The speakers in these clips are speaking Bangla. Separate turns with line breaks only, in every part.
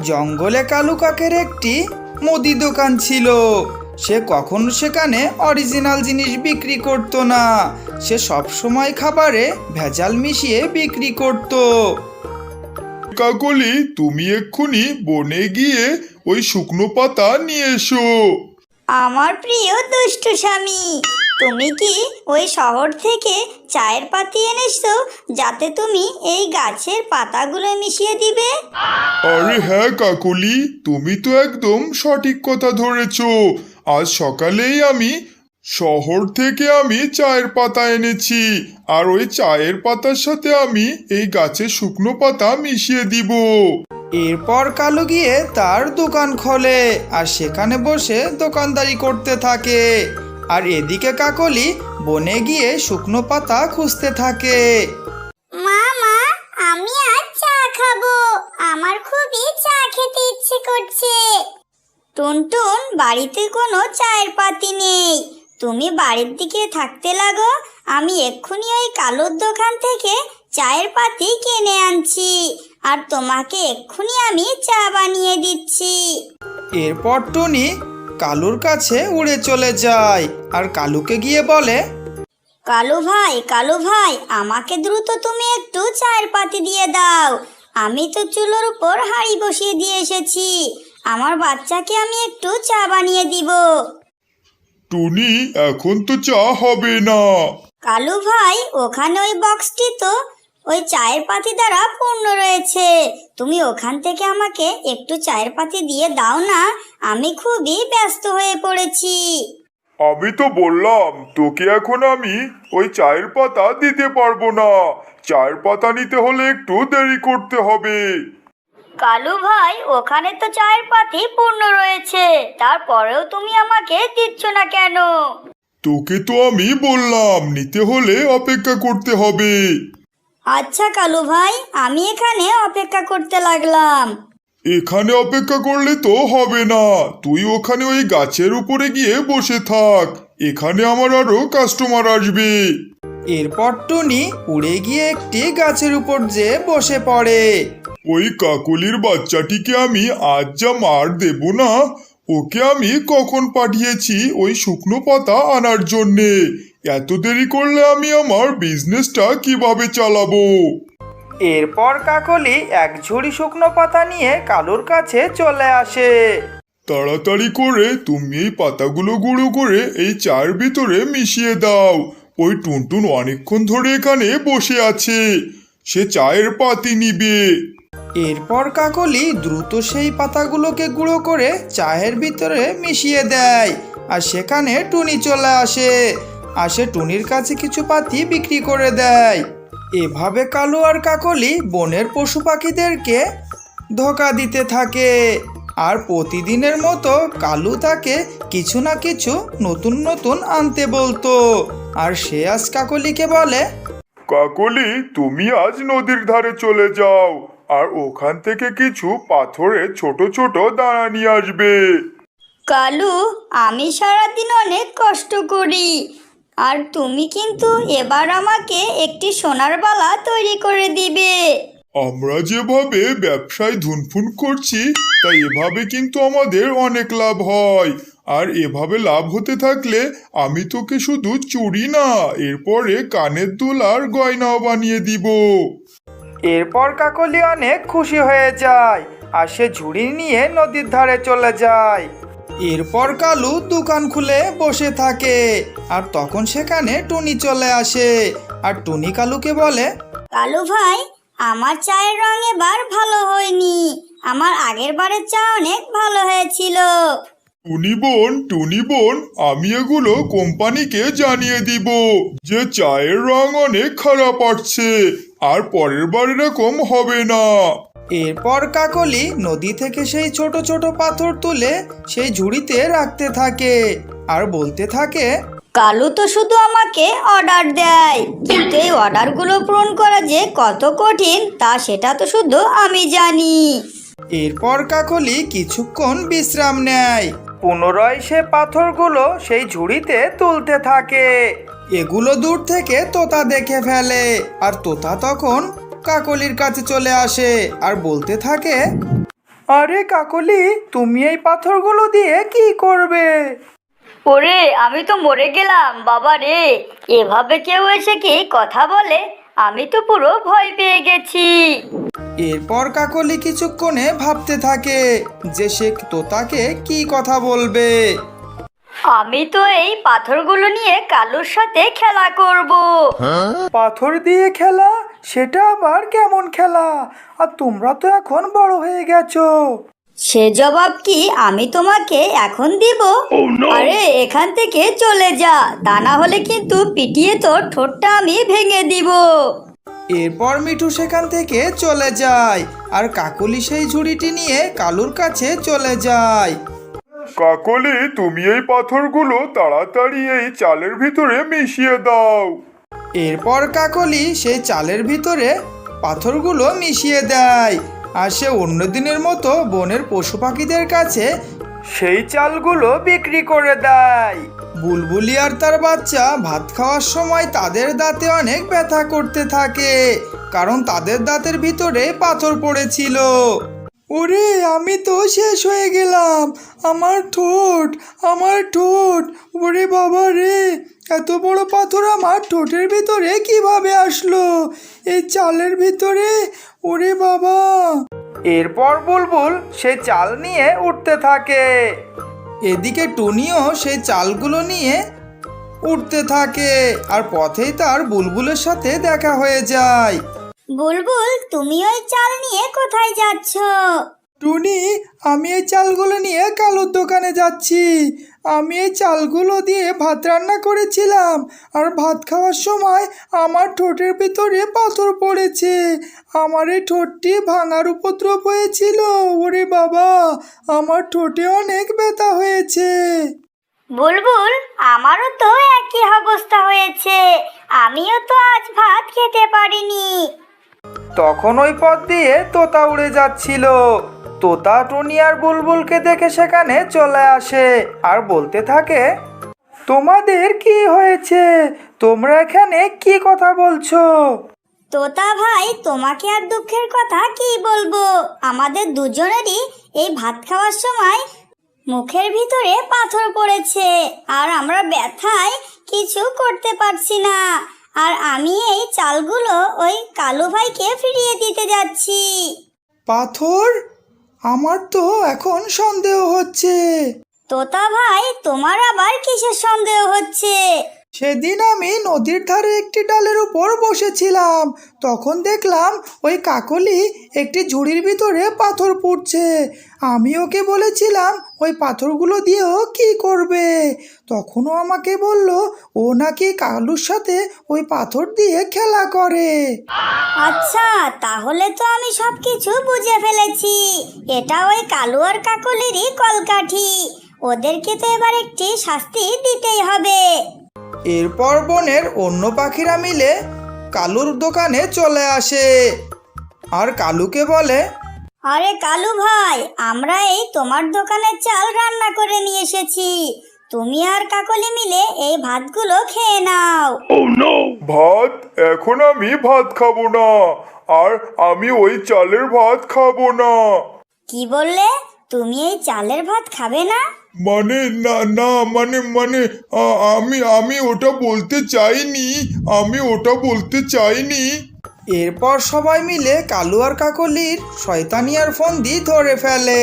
জঙ্গলে কালু কাকের একটি মুদি দোকান ছিল। সে কখনো সেখানে অরিজিনাল জিনিস বিক্রি করত না। সে সবসময় খাবারে ভেজাল মিশিয়ে বিক্রি করত।
কাকলি, তুমি এক্ষুনি বনে গিয়ে ওই শুকনো পাতা নিয়ে এসো।
আমার প্রিয় দুষ্টু স্বামী, তুমি কি ওই শহর থেকে চায়ের পাতি এনেছো যাতে তুমি এই গাছের পাতাগুলো মিশিয়ে দিবে?
আরে হ্যাঁ কাকলি, তুমি তো একদম সঠিক কথা ধরেছো। আজ সকালেই আমি শহর থেকে চায়ের পাতা এনেছি, আর ওই চায়ের পাতার সাথে আমি এই গাছের শুকনো পাতা মিশিয়ে দিব।
এরপর কালু গিয়ে তার দোকান খোলে আর সেখানে বসে দোকানদারি করতে থাকে। আর এদিকে কাকলি বনে গিয়ে শুকনো পাতা খুঁজতে থাকে।
মা, আমি আজ চা খাবো, আমার খুবই চা খেতে ইচ্ছে করছে। টুনটুন, বাড়িতে কোনো চায়ের পাতি নেই, তুমি বাড়ির দিকে থাকতে লাগো, আমি এক্ষুনি ওই কালুর দোকান থেকে চায়ের পাতি কিনে আনছি, আর তোমাকে এক্ষুনি আমি চা বানিয়ে দিচ্ছি।
এরপর টুনি কালুর কাছে উড়ে চলে যায় আর কালুকে গিয়ে বলে,
কালু ভাই, আমাকে দ্রুত তুমি একটু চায়ের পাতি দিয়ে দাও। আমি তো চুলোর উপর হাঁড়ি বসিয়ে দিয়ে এসেছি, আমার বাচ্চাকে আমি একটু চা বানিয়ে দিব।
টুনি, এখন তো চা হবে না।
কালু ভাই, ওখানে ওই বক্সটি তো ওই চায়ের পাতি দ্বারা পূর্ণ রয়েছে, তুমি ওখান থেকে আমাকে একটু চায়ের পাতি দিয়ে দাও না, আমি খুবই ব্যস্ত হয়ে পড়েছি।
আমি তো বললাম তোকে এখন আমি ওই চায়ের পাতা দিতে পারবো না। চায়ের পাতা নিতে হলে একটু দেরি করতে হবে।
কালু ভাই, ওখানে তো চায়ের পাতি পূর্ণ রয়েছে, তারপরেও তুমি আমাকে দিচ্ছ না কেন?
তোকে তো আমি বললাম নিতে হলে অপেক্ষা করতে হবে।
আচ্ছা কালু ভাই, আমি এখানে অপেক্ষা করতে লাগলাম।
এখানে অপেক্ষা করলে তো হবে না, তুই ওখানে ওই গাছের উপরে গিয়ে বসে থাক, এখানে আমার আরো কাস্টমার আসবে।
এরপর টুনি উড়ে গিয়ে একটি গাছের উপর যেয়ে বসে পড়ে।
ওই কাকলির বাচ্চাটিকে আমি আজ যা মার দেব না, ওকে আমি কখন পাঠিয়েছি ওই শুকনো পাতা আনার জন্যে। এত দেরি করলে আমি আমার বিজনেসটা কিভাবে চালাবো?
এরপর কাকলি এক ঝুড়ি শুকনো পাতা নিয়ে কালুর কাছে চলে আসে।
তাড়াতাড়ি করে তুমি এই পাতাগুলো গুঁড়ো করে এই চায়ের ভিতরে মিশিয়ে দাও। ওই টুনটুন অনেকক্ষণ ধরে এখানে বসে আছে, সে চায়ের পাতি নিবে।
এরপর কাকলি দ্রুত সেই পাতাগুলোকে গুঁড়ো করে চায়ের ভিতরে মিশিয়ে দেয়, আর সেখানে টুনি চলে আসে। আর সে টুনির কাছে কিছু পাতি বিক্রি করে দেয়। এভাবে কালু আর কাকলি বনের পশু পাখিদেরকে ধোঁকা দিতে থাকে। আর প্রতিদিনের মতো কালু তাকে কিছু না কিছু নতুন নতুন আনতে বলতো। আর সে আজ কাকলিকে বলে,
কাকলি, তুমি আজ নদীর ধারে চলে যাও, আর ওখান থেকে কিছু পাথরে ছোট ছোট দানা নিয়ে আসবে।
কালু, আমি সারাদিন অনেক কষ্ট করি, আর তুমি কিন্তু এবার আমাকে একটি সোনার বালা তৈরি করে দিবে।
আমরা যেভাবে ব্যবসায় ধুনফুন করছি, তাই এভাবে কিন্তু আমাদের অনেক লাভ হয়। আর এভাবে লাভ হতে থাকলে আমি তোকে শুধু চুড়ি না, এরপরে কানের দুল আর গয়নাও বানিয়ে দিব।
এরপর কাকলি অনেক খুশি হয়ে যায় আর সে ঝুড়ি নিয়ে নদীর ধারে চলে যায়। এরপর কালু দোকান খুলে বসে থাকে, আর তখন সেখানে টুনি চলে আসে। আর টুনি কালুকে বলে,
কালু ভাই, আমার চায়ের রং এবার ভালো হয়নি, আমার আগের বারের চা অনেক ভালো হয়েছিল।
টুনি বোন, আমি এগুলো কোম্পানিকে জানিয়ে দিব যে চায়ের রং অনেক খারাপ আসছে, আর পরের বার এরকম হবে না।
এরপর কাকলি নদী থেকে সেই ছোট ছোট পাথর তুলে সেই ঝুড়িতে রাখতে থাকে আর বলতে থাকে,
কালু তো শুধু আমাকে অর্ডার দেয়, কিন্তু এই অর্ডারগুলো পূরণ করা যে কত কঠিন তা সেটা তো শুধু আমি জানি।
এরপর কাকলি কিছুক্ষণ বিশ্রাম নেয়। পুনরায় সে পাথরগুলো সেই ঝুড়িতে তুলতে থাকে। এগুলো দূর থেকে তোতা দেখে ফেলে, আর তোতা তখন কাকলির কাছে চলে আসে আর বলতে থাকে, আরে কাকলি, তুমি এই পাথরগুলো দিয়ে কি করবে?
ওরে, আমি তো মরে গেলাম বাবা রে। এভাবে কেউ এসে কি কথা বলে? আমি তো পুরো ভয় পেয়ে গেছি।
এরপর কাকলি কিছুক্ষণে ভাবতে থাকে যে সে তোতাকে কি কথা বলবে।
আমি তো এই পাথরগুলো নিয়ে কালুর সাথে খেলা করব।
পাথর দিয়ে খেলা? সেটা আবার কেমন খেলা? আর তোমরা তো এখন বড় হয়ে গেছো।
সে জবাব কি আমি তোমাকে এখন দিব? আরে এখান থেকে চলে যা, তা না হলে কিন্তু পিটিয়ে তোর ঠোঁটটা আমি ভেঙে দিব।
এরপর মিঠু সেখান থেকে চলে যায় আর কাকলি সেই ঝুড়িটি নিয়ে কালুর কাছে চলে যায়।
কাকলি, তুমি এই পাথরগুলো তাড়াতাড়ি এই চালের ভিতরে মিশিয়ে দাও।
এরপর কাকলি সেই চালের ভিতরে পাথরগুলো মিশিয়ে দেয় আর সে অন্য দিনের মতো বনের পশু পাখিদের কাছে সেই চালগুলো বিক্রি করে দেয়। বুলবুলি আর তার বাচ্চা ভাত খাওয়ার সময় তাদের দাঁতে অনেক ব্যথা করতে থাকে, কারণ তাদের দাঁতের ভিতরে পাথর পড়েছিল। ওরে, আমি তো শেষ হয়ে গেলাম। আমার ঠোঁট, আমার ঠোঁট! ওরে বাবা রে, এত বড় পাথর আমার ঠোঁটের ভিতরে কিভাবে আসলো? এই চালের ভিতরে? ওরে বাবা! এরপর বুলবুল সেই চাল নিয়ে উঠতে থাকে। এদিকে টুনিও সেই চালগুলো নিয়ে উঠতে থাকে আর পথেই তার বুলবুলের সাথে দেখা হয়ে যায়।
বুলবুল, তুমি ওই চাল নিয়ে কোথায় যাচ্ছ?
টুনি, আমি এই চালগুলো নিয়ে কালুর দোকানে যাচ্ছি। আমি এই চালগুলো দিয়ে ভাত রান্না করেছিলাম আর ভাত খাওয়ার সময় আমার ঠোঁটের ভিতরে পাথর পড়েছে। আমার এই ঠোঁটটি ভাঙার উপদ্রব হয়েছিল। ওরে বাবা, আমার ঠোঁটে অনেক ব্যথা হয়েছে।
বুলবুল, আমারও তো একই অবস্থা হয়েছে। আমিও তো আজ ভাত খেতে পারিনি।
তখন ওই পথ দিয়ে তোতা উড়ে যাচ্ছিল। তোতা টুনি আর বুলবুলকে দেখে সেখানে চলে আসে আর বলতে থাকে, তোমাদের কি হয়েছে? তোমরা এখানে কি কথা বলছো?
তোতা ভাই, তোমাকে আর দুঃখের কথা কি বলবো। আমাদের দুজনেরই এই ভাত খাওয়ার সময় মুখের ভিতরে পাথর পড়েছে আর আমরা ব্যথায় কিছু করতে পারছি না। আর আমি এই চালগুলো ওই কালু ভাইকে ফিরিয়ে দিতে যাচ্ছি।
পাথর? আমার তো এখন সন্দেহ হচ্ছে।
তোতা ভাই, তোমার আবার কিসের সন্দেহ হচ্ছে?
সেদিন আমি নদীর ধারে একটি ডালের উপর বসেছিলাম, তখন দেখলাম ওই কাকলি একটি ঝুড়ির ভিতরে পাথর পুড়ছে। আমি ওকে বলেছিলাম ওই পাথরগুলো দিয়েও কি করবে। তখনও আমাকে বলল ও নাকি কালুর সাথে ওই পাথর দিয়ে খেলা করে।
আচ্ছা, তাহলে তো আমি সব কিছু বুঝে ফেলেছি। এটা ওই কালু আর কাকলিরই কলকাঠি। ওদেরকে তো এবার একটি শাস্তি দিতেই হবে।
এরপর বনের অন্য পাখিরা মিলে কালুর দোকানে চলে আসে আর কালুকে বলে,
আরে কালু ভাই, আমরা এই তোমার দোকানের চাল রান্না করে নিয়ে এসেছি। তুমি আর কাকলি মিলে এই ভাতগুলো খেয়ে নাও।
ভাত? এখন আমি ভাত খাবো না, আর আমি ওই চালের ভাত খাবো না।
কি বললে? তুমি এই চালের ভাত খাবে না?
মানে না না, মানে আমি আমি ওটা বলতে চাইনি, আমি ওটা বলতে চাইনি।
এরপর সবাই মিলে কালু আর কাকলির শয়তানিয়ার ফন্দি ধরে ফেলে।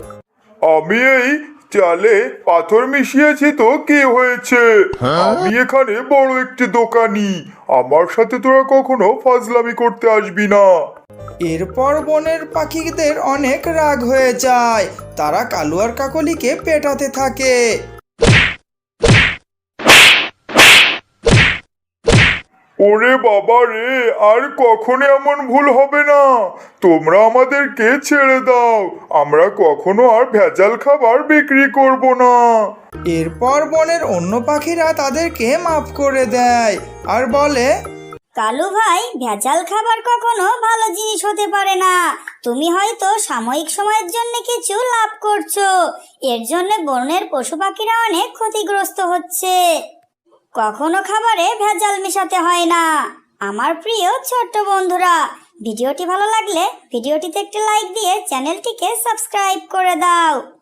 আমি এই চালে পাথর মিশিয়েছি তো কি হয়েছে? আমি এখানে বড় একটি দোকানি, আমার সাথে তোরা কখনো ফাজলামি করতে আসবি না।
এরপর বনের পাখিদের অনেক রাগ হয়ে যায়, তারা কালু আর কাকলিকে পেটাতে থাকে।
ওরে বাবা রে, আর কখনো এমন ভুল হবে না। তোমরা আমাদেরকে ছেড়ে দাও, আমরা কখনো আর ভেজাল খাবার বিক্রি করব না।
এরপর বনের অন্য পাখিরা তাদেরকে মাফ করে দেয় আর বলে,
কালু ভাই, ভেজাল খাবার কখনো ভালো জিনিস হতে পারে না। তুমি হয়তো সাময়িক সময়ের জন্য কিছু লাভ করছো, এর জন্য বনের পশু পাখিরা অনেক ক্ষতিগ্রস্ত হচ্ছে। কখনো খাবারে ভেজাল মেশাতে হয় না। আমার প্রিয় ছোট্ট বন্ধুরা, ভিডিওটি ভালো লাগলে ভিডিওটিতে একটি লাইক দিয়ে চ্যানেলটিকে সাবস্ক্রাইব করে দাও।